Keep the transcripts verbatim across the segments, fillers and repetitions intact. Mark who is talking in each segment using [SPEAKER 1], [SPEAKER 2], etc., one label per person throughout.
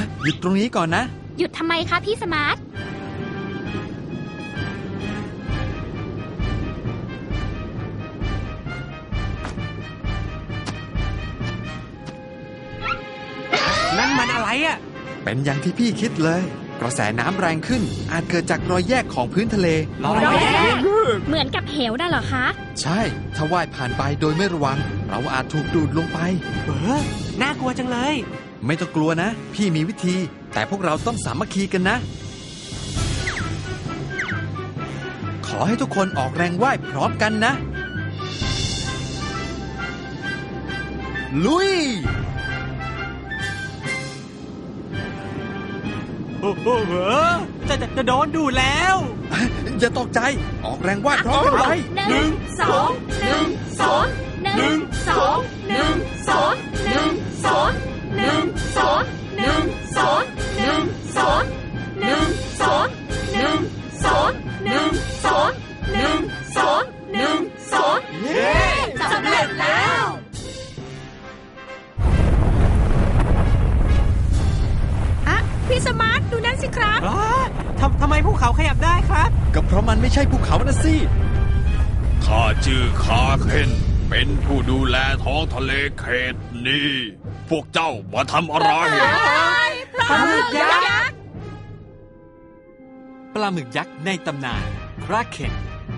[SPEAKER 1] หยุดตรงนี้ก่อนนะ
[SPEAKER 2] หยุดทำไมคะพี่สมาร์ท
[SPEAKER 3] นั่นมันอะไรอ่ะ
[SPEAKER 1] เป็นอย่างที่พี่คิดเลยกระแสน้ำแรงขึ้นอาจเกิดจากรอยแยกของพื้นทะเล
[SPEAKER 2] รอยแยกเหมือนกับเหวน่ะเหรอคะ
[SPEAKER 1] ใช่ถ้าว่ายผ่านไปโดยไม่ระวังเราอาจถูกดูดลงไป
[SPEAKER 3] เออน่ากลัวจังเลย
[SPEAKER 1] ไม่ต้องกลัวนะพี่มีวิธีแต่พวกเราต้องสามัคคีกันนะขอให้ทุกคนออกแรงว่ายพร้อมกันนะลุย
[SPEAKER 3] โอ้โหจะจะจะโดนดูแล้ว
[SPEAKER 1] อย่าตกใจออกแรงว่ายพร้อมกันไป
[SPEAKER 2] หนึ่งสองหนึ่งสองหนึ่งสองหนึ่งสองหนึ่งสองหนึ่งสองหนึ่งสองหนึ่งสองหนึ่งสองหนึ่งสองหนึ่งสองหนึ่งสองหนึ่งสองเย้สำเร็จแล้ว
[SPEAKER 4] อะพี่สมาร์ทดูนั่นสิครับ
[SPEAKER 3] ทำทำไมภูเขาขยับได้ครับ
[SPEAKER 1] ก็เพราะมันไม่ใช่ภูเขานะสิ
[SPEAKER 5] ข้าชื่อคาเคนเป็นผู้ดูแลท้องทะเลเขตนี้พวกเจ้ามาทำอะไร
[SPEAKER 4] ปลาหมึกยักษ์
[SPEAKER 1] ปลาหมึกยักษ์ในตำนานคราเคน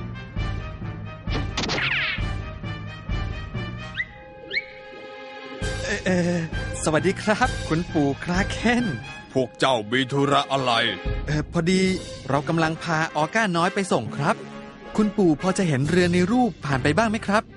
[SPEAKER 1] เออสวัสดีครับคุณปู่คราเคน
[SPEAKER 5] พวกเจ้ามีธุระอะไร
[SPEAKER 1] เออพอดีเรากำลังพาออก้าน้อยไปส่งครับคุณปู่พอจะเห็นเรือในรูปผ่านไปบ้างไหมครับ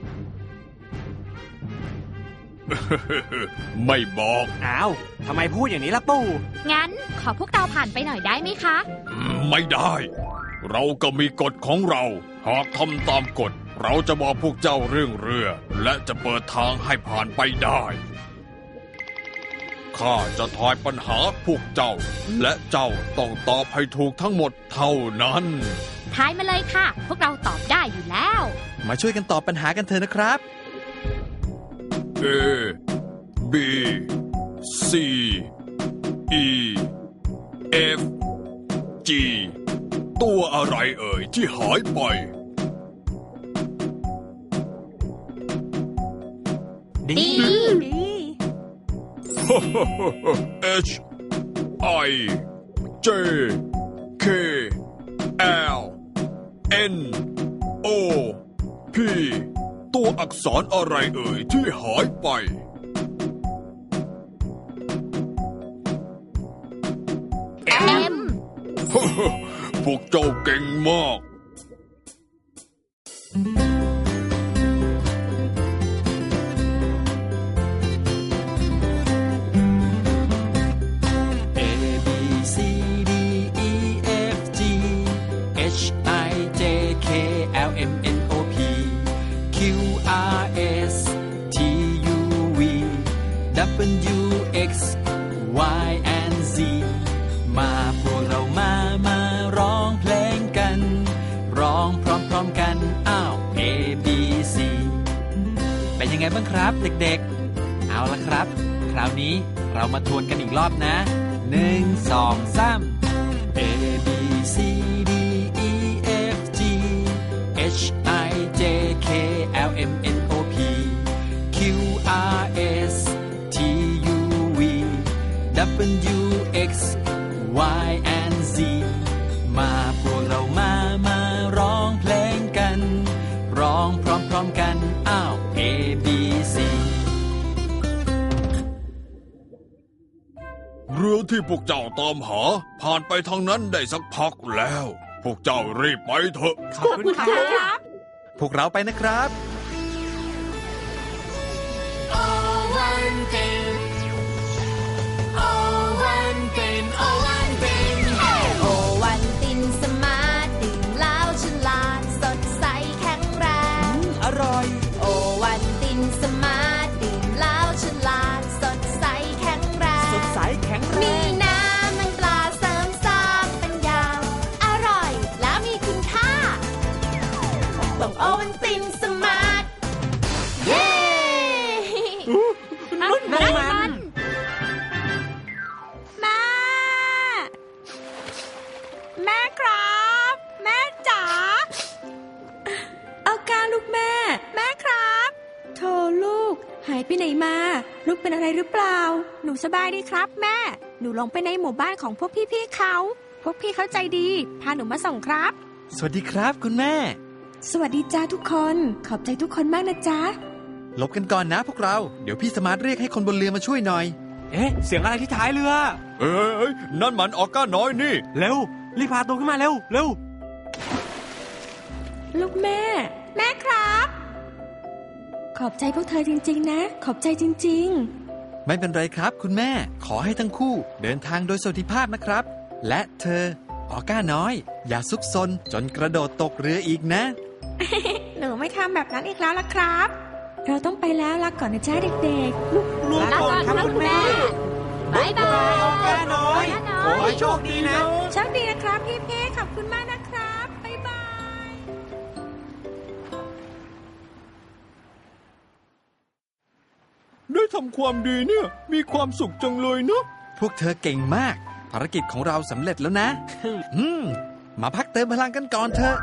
[SPEAKER 5] ไม่บอก
[SPEAKER 3] อ้าวทำไมพูดอย่างนี้ล่ะปู่
[SPEAKER 2] งั้นขอพวกเราผ่านไปหน่อยได้ไหมคะ
[SPEAKER 5] ไม่ได้เราก็มีกฎของเราหากทำตามกฎเราจะบอกพวกเจ้าเรื่องเรือและจะเปิดทางให้ผ่านไปได้ข้าจะทายปัญหาพวกเจ้าและเจ้าต้องตอบให้ถูกทั้งหมดเท่านั้น
[SPEAKER 2] ทายมาเลยค่ะพวกเราตอบได้อยู่แล้ว
[SPEAKER 1] มาช่วยกันตอบปัญหากันเถอะนะครับ
[SPEAKER 5] A B C E F G ตัวอะไรเอ่ยที่หายไป
[SPEAKER 2] D
[SPEAKER 5] H I J K L N O P ตัวอักษรอะไรเอ่ยที่หายไป
[SPEAKER 2] M
[SPEAKER 5] พวกเจ้าเก่งมาก
[SPEAKER 6] W X Y and Z มาพวกเรามามาร้องเพลงกันร้องพร้อมๆกันอ้าว A B C เป็นยังไงบ้างครับเด็กๆเอาละครับคราวนี้เรามาทวนกันอีกรอบนะหนึ่ง สอง สาม A B C D E F G H I J K L M N O P Q R S W X Y and Z มาพวกเรามามาร้องเพลงกันร้องพร้อมๆกันอ้าว A B C
[SPEAKER 5] เรือที่พวกเจ้าตามหาผ่านไปทางนั้นได้สักพักแล้วพวกเจ้ารีบไปเถอะ
[SPEAKER 4] ขอบคุณครับ
[SPEAKER 1] พวกเราไปนะครับ
[SPEAKER 2] โอวัลตินสมาร์ท
[SPEAKER 4] หายไปไหนมา ลูกเป็นอะไรหรือเปล่า หนูสบายดีครับแม่ หนูลงไปในหมู่บ้านของพวกพี่ๆเขา พวกพี่เขาใจดี พาหนูมาส่งครับ
[SPEAKER 1] สวัสดีครับคุณแม่
[SPEAKER 4] สวัสดีจ้าทุกคน ขอบใจทุกคนมากนะจ๊ะ
[SPEAKER 1] หลบกันก่อนนะพวกเรา เดี๋ยวพี่สมาร์ทเรียกให้คนบนเรือมาช่วยหน่อย
[SPEAKER 3] เอ๊ะ เสียงอะไรที่ท้ายเรือ
[SPEAKER 5] เอ้ยนั่นมันออก้าน้อยนี่
[SPEAKER 3] เร็ว รีบพาตัวขึ้นมาเร็ว เร็ว
[SPEAKER 4] ลูกแม่ แม่ครับ ขอบใจพวกเธอจริงๆนะ ขอบใจจริงๆ
[SPEAKER 1] ไม่เป็นไรครับคุณแม่ ขอให้ทั้งคู่เดินทางโดยสวัสดิภาพนะครับ และเธอออก้าน้อย อย่าซุกซนจนกระโดดตกเรืออีกนะ
[SPEAKER 4] หนูไม่ทำแบบนั้นอีกแล้วล่ะครับ เราต้องไปแล้วลาก่อนนะจ๊ะเด็กๆ ลูก
[SPEAKER 3] รวมก่อนครับคุณแม่
[SPEAKER 2] บายบาย
[SPEAKER 3] ออก้าน้อย
[SPEAKER 2] ออก้าน้อย
[SPEAKER 3] ขอให้โชคดีนะ
[SPEAKER 4] โชคดีนะครับพี่เพขอบคุณมากนะครับ บ๊ายบาย
[SPEAKER 5] ได้ทำความดีเนี่ย มีความสุขจังเลยเนาะ
[SPEAKER 1] พวกเธอเก่งมาก ภารกิจของเราสำเร็จแล้วนะ อืม มาพักเติมพลังกันก่อนเถอะ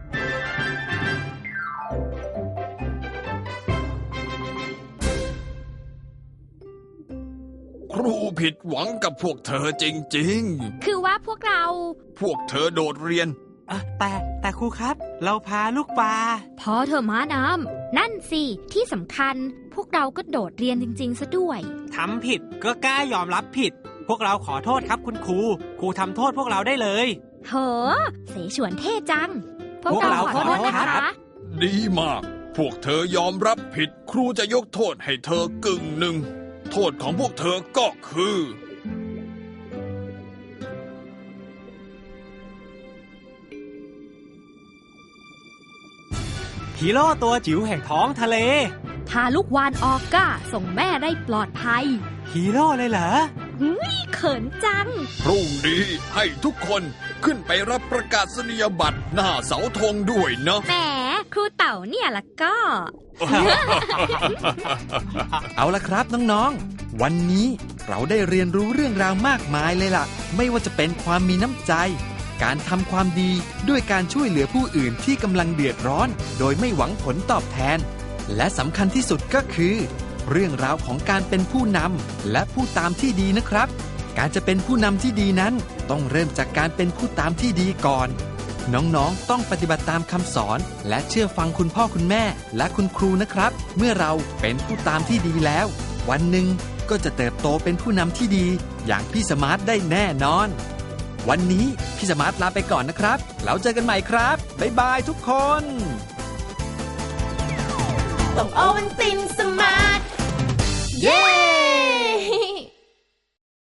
[SPEAKER 5] ครูผิดหวังกับพวกเธอจริง
[SPEAKER 2] คือว่าพวกเรา
[SPEAKER 5] ๆ พวกเธอโดดเรียน
[SPEAKER 3] อ่ะแต่แต่ครูครับ เราพาลูกปลา
[SPEAKER 2] พอเธอะม้าน้ำนั่นสิ ที่สำคัญ พวกเราก็โดดเรียนจริง ๆ ซะด้วย
[SPEAKER 3] ทำผิดก็กล้ายอมรับผิด พวกเราขอโทษครับคุณครู ครูทำโทษพวกเราได้เลย
[SPEAKER 2] โห เสฉวนเท่จัง พวก
[SPEAKER 3] พวก
[SPEAKER 2] เรา
[SPEAKER 3] เรา
[SPEAKER 2] ขอโทษ
[SPEAKER 3] ขอโทษ
[SPEAKER 2] นะ
[SPEAKER 3] ครั
[SPEAKER 2] คะ
[SPEAKER 3] บ
[SPEAKER 5] ดีมาก พวกเธอยอมรับผิด ครูจะยกโทษให้เธอกึ่งหนึ่ง โทษของพวกเธอก็คือ
[SPEAKER 3] ฮีโร่ตัวจิ๋วแห่งท้องทะเล
[SPEAKER 2] พาลูกวานออก้าส่งแม่ได้ปลอดภัย
[SPEAKER 3] ฮีโร่เลยเหรอ
[SPEAKER 2] เขินจัง
[SPEAKER 5] พรุ่งนี้ให้ทุกคนขึ้นไปรับประกาศนียบัตรหน้าเสาธงด้วยนะ
[SPEAKER 2] แหม ครูเต่าเนี่ยละก็
[SPEAKER 1] เอาละครับน้องๆ วันนี้เราได้เรียนรู้เรื่องราวมากมายเลยล่ะ ไม่ว่าจะเป็นความมีน้ำใจ การทำความดีด้วยการช่วยเหลือผู้อื่นที่กำลังเดือดร้อน โดยไม่หวังผลตอบแทน และสำคัญที่สุดก็คือ เรื่องราวของการเป็นผู้นำและผู้ตามที่ดีนะครับ การจะเป็นผู้นำที่ดีนั้นต้องเริ่มจากการเป็นผู้ตามที่ดีก่อน น้องๆ ต้องปฏิบัติตามคำสอนและเชื่อฟังคุณพ่อคุณแม่และคุณครูนะครับ เมื่อเราเป็นผู้ตามที่ดีแล้ว วันหนึ่งก็จะเติบโตเป็นผู้นำที่ดี อย่างพี่สมาร์ทได้แน่นอน วันนี้พี่สมาร์ทลาไปก่อนนะครับแล้วเจอกันใหม่ครับบ๊ายบายทุกคน
[SPEAKER 4] ต้องโอวันตินสุ